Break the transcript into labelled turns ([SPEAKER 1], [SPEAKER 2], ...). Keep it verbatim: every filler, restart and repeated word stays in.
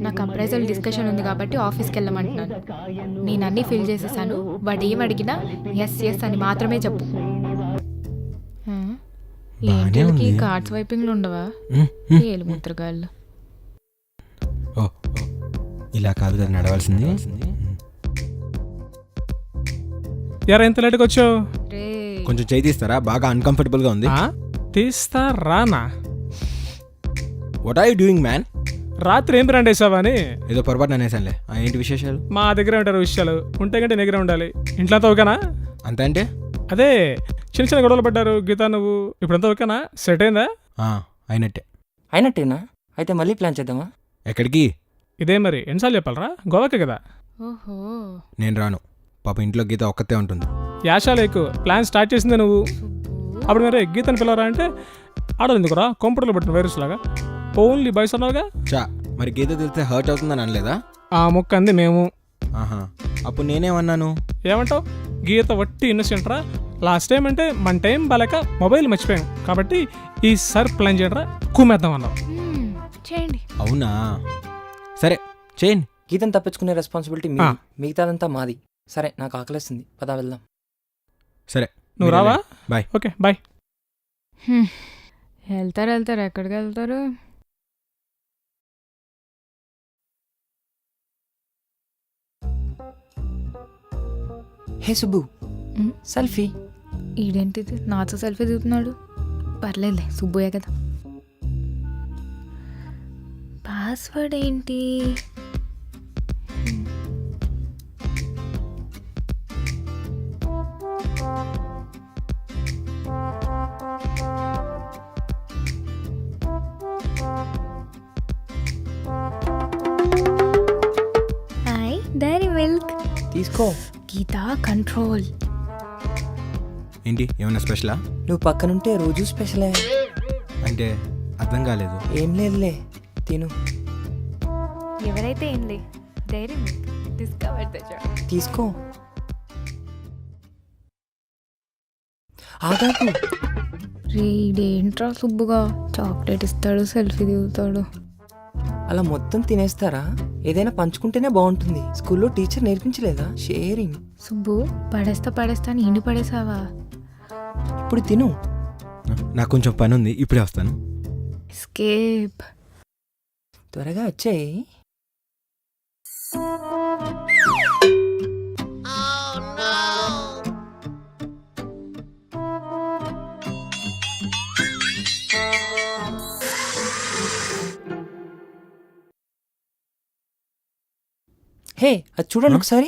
[SPEAKER 1] నాకు appraisal discussion ఉంది కాబట్టి ఆఫీస్కి వెళ్ళమంటున్నాను. నేను అన్నీ ఫిల్ చేసేసాను. వాడు ఏం అడిగినా ఎస్ ఎస్ అని మాత్రమే చెప్పు. ఏంటికి కార్డ్స్ వైపింగ్లు ఉండవా? ఏలు ముద్రగాళ్ళు.
[SPEAKER 2] ఓ ఇలా కాదు కదా నడవాల్సింది.
[SPEAKER 3] ఎరా ఎంత లేట్గా వచ్చావు?
[SPEAKER 2] కొంచెం చేయి తీస్తారా? బాగా అన్కంఫర్టబుల్గా ఉంది.
[SPEAKER 3] తీస్తా రానా?
[SPEAKER 2] What are you doing man?
[SPEAKER 3] రాత్రి ఏం బ్రాండ్ వేసావా అని
[SPEAKER 2] ఏదో పొరపాటు అనేసానులే. ఏంటి విశేషాలు?
[SPEAKER 3] మా దగ్గర ఉంటారు విషయాలు. ఉంటే కంటే దగ్గర ఉండాలి. ఇంట్లో అంతా ఓకేనా?
[SPEAKER 2] అంతే అంటే
[SPEAKER 3] అదే చిన్న చిన్న గొడవలు పడ్డారు గీత నువ్వు. ఇప్పుడంతా ఓకేనా? సెట్ అయిందా?
[SPEAKER 2] అయినట్టే.
[SPEAKER 4] అయినట్టేనా? అయితే మళ్ళీ ప్లాన్ చేద్దామా?
[SPEAKER 2] ఎక్కడికి?
[SPEAKER 3] ఇదే మరి ఎన్నిసార్లు చెప్పాలరా? గోవాకే కదా.
[SPEAKER 1] ఓహో
[SPEAKER 2] నేను రాను. పాప ఇంట్లో గీత ఒక్కతే ఉంటుంది.
[SPEAKER 3] యాషాలేకు ప్లాన్ స్టార్ట్ చేసిందే నువ్వు. అప్పుడు మరి గీతను పిల్లరా అంటే ఆడదు ఎందుకురా? కంప్యూటర్లో పెట్టిన వైరస్ లాగా ఓన్లీ బాయ్స్ అన్నావుగా.
[SPEAKER 2] చా మరి గీత తెలిస్తే హర్ట్ అవుతుందని అనలేదా?
[SPEAKER 3] ఆ మొక్క అంది మేము.
[SPEAKER 2] ఆహా అప్పుడు నేనేమన్నాను?
[SPEAKER 3] ఏమంటావు? గీత వట్టి ఇన్నోసెంట్ రా. లాస్ట్ టైం అంటే మన టైం బాలేక మొబైల్ మర్చిపోయాం కాబట్టి ఈసారి ప్లాన్ చేయరా కుమ్మేద్దాం అన్నావు.
[SPEAKER 1] చేయండి.
[SPEAKER 2] అవునా సరే చేయండి.
[SPEAKER 4] గీతను తప్పించుకునే రెస్పాన్సిబిలిటీ మీ, మిగతాదంతా మాది. సరే నాకు ఆకలేస్తుంది, పదా వెళ్దాం.
[SPEAKER 2] సరే
[SPEAKER 3] నువ్వు రావా?
[SPEAKER 2] బాయ్.
[SPEAKER 3] Okay bye.
[SPEAKER 1] వెళ్తారు వెళ్తారు ఎక్కడికి వెళ్తారు?
[SPEAKER 4] హే సుబ్బు, సెల్ఫీ.
[SPEAKER 1] ఈడేంటిది నాతో సెల్ఫీ దిగుతున్నాడు? పర్లేదులే సుబ్బుయే కదా. పాస్వర్డ్ ఏంటి? హాయ్ డైరీ మిల్క్
[SPEAKER 4] తీసుకో.
[SPEAKER 1] గీత కంట్రోల్.
[SPEAKER 2] ఏంటి ఏమన్నా స్పెషలా?
[SPEAKER 4] నువ్వు పక్కనుంటే రోజు స్పెషలే.
[SPEAKER 2] అంటే అర్థం కాలేదు.
[SPEAKER 4] ఏం లేదులే, తిను.
[SPEAKER 1] ఎవరైతే ఏంలే dairy milk discover the joy.
[SPEAKER 4] తీసుకో. ఆగాకు.
[SPEAKER 1] రీడేంట్రా సుబ్బుగా చాక్లెట్ ఇస్తాడు సెల్ఫీ దిగుతాడు.
[SPEAKER 4] అలా మొత్తం తినేస్తారా? ఏదైనా పంచుకుంటేనే బాగుంటుంది. స్కూల్లో టీచర్ నేర్పించలేదా షేరింగ్?
[SPEAKER 1] సుబ్బు పడేస్తా పడేస్తా అని ఇండి పడేసావా?
[SPEAKER 4] ఇప్పుడు తిను.
[SPEAKER 2] నాకు కొంచెం పని ఉంది, ఇప్పుడే వస్తాను.
[SPEAKER 1] ఎస్కేప్.
[SPEAKER 4] త్వరగా వచ్చేయి. హే అది చూడండి ఒకసారి.